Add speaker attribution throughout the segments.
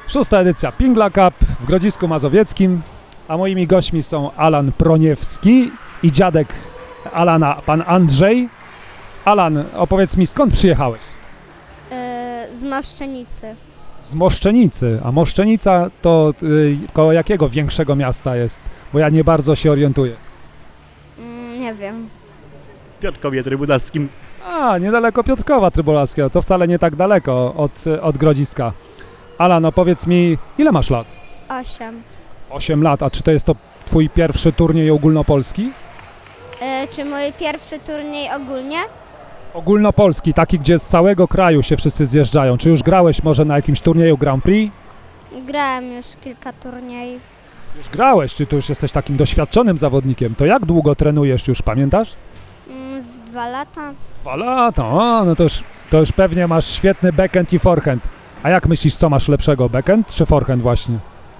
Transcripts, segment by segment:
Speaker 1: Szósta edycja Pingla Cup w Grodzisku Mazowieckim, a moimi gośćmi są Alan Proniewski i dziadek Alana, pan Andrzej. Alan, opowiedz mi, skąd przyjechałeś?
Speaker 2: Z Maszczenicy.
Speaker 1: Z Moszczenicy, a Moszczenica to koło jakiego większego miasta jest? Bo ja nie bardzo się orientuję.
Speaker 2: Nie wiem.
Speaker 3: Piotrkowie Trybunalskim.
Speaker 1: A, niedaleko Piotrkowa Trybunalskiego, to wcale nie tak daleko od Grodziska. Alan, opowiedz mi, ile masz lat?
Speaker 2: 8.
Speaker 1: 8 lat, a czy to jest to twój pierwszy turniej ogólnopolski?
Speaker 2: Czy mój pierwszy turniej ogólnie?
Speaker 1: Ogólnopolski, taki, gdzie z całego kraju się wszyscy zjeżdżają. Czy już grałeś może na jakimś turnieju Grand Prix?
Speaker 2: Grałem już kilka turniejów.
Speaker 1: Już grałeś, czy tu już jesteś takim doświadczonym zawodnikiem? To jak długo trenujesz już, pamiętasz?
Speaker 2: Z 2 lata.
Speaker 1: 2 lata, a, no to już pewnie masz świetny backhand i forehand. A jak myślisz, co masz lepszego, backhand czy forehand właśnie?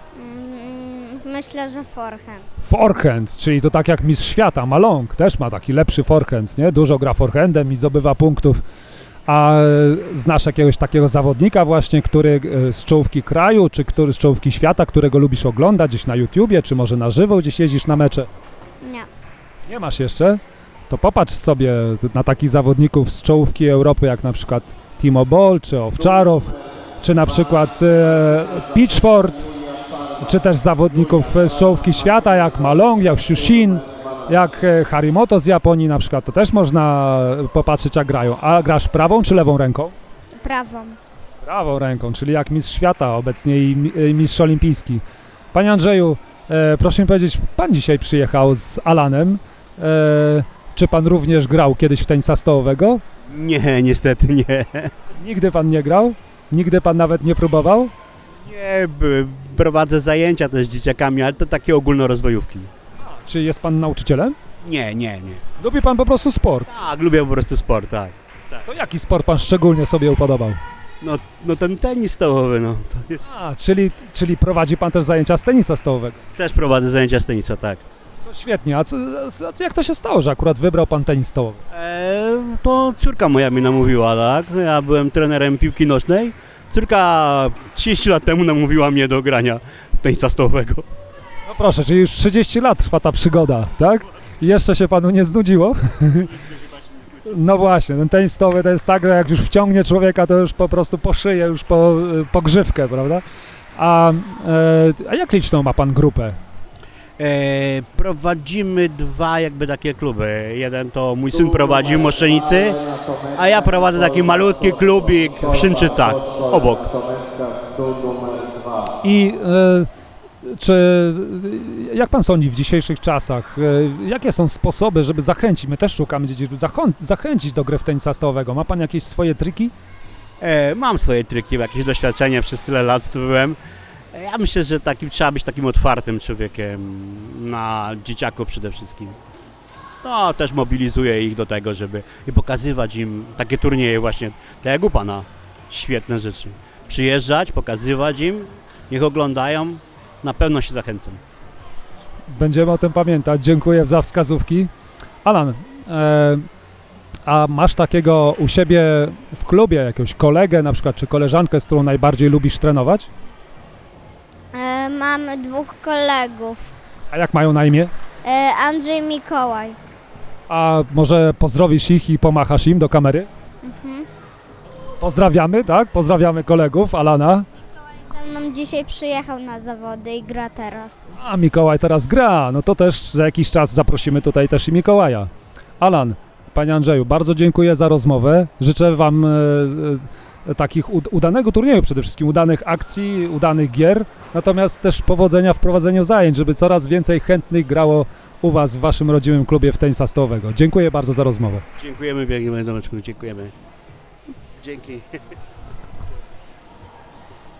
Speaker 2: Myślę, że forehand.
Speaker 1: Forehand, czyli to tak jak mistrz świata, Malong też ma taki lepszy forehand, nie? Dużo gra forehandem i zdobywa punktów. A znasz jakiegoś takiego zawodnika właśnie, który z czołówki kraju, czy który z czołówki świata, którego lubisz oglądać gdzieś na YouTubie, czy może na żywo gdzieś jeździsz na mecze?
Speaker 2: Nie.
Speaker 1: Nie masz jeszcze? To popatrz sobie na takich zawodników z czołówki Europy, jak na przykład Timo Boll, czy Owczarow, czy na przykład Pitchford, czy też zawodników z czołówki świata, jak Malong, jak Shushin, jak Harimoto z Japonii na przykład. To też można popatrzeć, jak grają. A grasz prawą czy lewą ręką?
Speaker 2: Prawą.
Speaker 1: Prawą ręką, czyli jak mistrz świata obecnie i mistrz olimpijski. Panie Andrzeju, proszę mi powiedzieć, pan dzisiaj przyjechał z Alanem. Czy pan również grał kiedyś w tenisa stołowego?
Speaker 3: Nie, niestety nie.
Speaker 1: Nigdy pan nie grał? Nigdy pan nawet nie próbował?
Speaker 3: Nie, prowadzę zajęcia też z dzieciakami, ale to takie ogólnorozwojówki.
Speaker 1: Czy jest pan nauczycielem?
Speaker 3: Nie.
Speaker 1: Lubi pan po prostu sport?
Speaker 3: Tak, lubię po prostu sport, tak.
Speaker 1: To jaki sport pan szczególnie sobie upodobał?
Speaker 3: No ten tenis stołowy, no. To jest...
Speaker 1: A, czyli prowadzi pan też zajęcia z tenisa stołowego.
Speaker 3: Też prowadzę zajęcia z tenisa, tak.
Speaker 1: To świetnie. A jak to się stało, że akurat wybrał pan tenis stołowy?
Speaker 3: To córka moja mi namówiła, tak. Ja byłem trenerem piłki nożnej. Córka 30 lat temu namówiła mnie do grania tenisa stołowego.
Speaker 1: No proszę, czyli już 30 lat trwa ta przygoda, tak? I jeszcze się panu nie znudziło? No właśnie, ten tenis stołowy to jest tak, że jak już wciągnie człowieka, to już po prostu po szyję, już po grzywkę, prawda? A jak liczną ma pan grupę?
Speaker 3: Prowadzimy 2 jakby takie kluby. Jeden to mój syn prowadzi w Moszczenicy, a ja prowadzę taki malutki klubik w Szynczycach, obok.
Speaker 1: I jak pan sądzi w dzisiejszych czasach, jakie są sposoby, żeby zachęcić, my też szukamy dzieci, żeby zachęcić do gry w tenisa stołowego? Ma pan jakieś swoje triki?
Speaker 3: Mam swoje triki, jakieś doświadczenie, przez tyle lat byłem. Ja myślę, że trzeba być takim otwartym człowiekiem na dzieciaków przede wszystkim. To też mobilizuje ich do tego, żeby i pokazywać im takie turnieje właśnie, tak jak u pana, świetne rzeczy. Przyjeżdżać, pokazywać im, niech oglądają, na pewno się zachęcą.
Speaker 1: Będziemy o tym pamiętać, dziękuję za wskazówki. Alan, a masz takiego u siebie w klubie jakiegoś kolegę na przykład, czy koleżankę, z którą najbardziej lubisz trenować?
Speaker 2: Mam 2 kolegów.
Speaker 1: A jak mają na imię?
Speaker 2: Andrzej, Mikołaj.
Speaker 1: A może pozdrowisz ich i pomachasz im do kamery? Pozdrawiamy, tak? Pozdrawiamy kolegów Alana.
Speaker 2: Ze mną dzisiaj przyjechał na zawody i gra teraz.
Speaker 1: A Mikołaj teraz gra, no to też za jakiś czas zaprosimy tutaj też i Mikołaja. Alan, panie Andrzeju, bardzo dziękuję za rozmowę. Życzę wam takich udanego turnieju, przede wszystkim udanych akcji, udanych gier, natomiast też powodzenia w prowadzeniu zajęć, żeby coraz więcej chętnych grało u was w waszym rodzimym klubie w tenisa stołowego. Dziękuję bardzo za rozmowę.
Speaker 3: Dziękujemy, Domeczku, dziękujemy. Dzięki.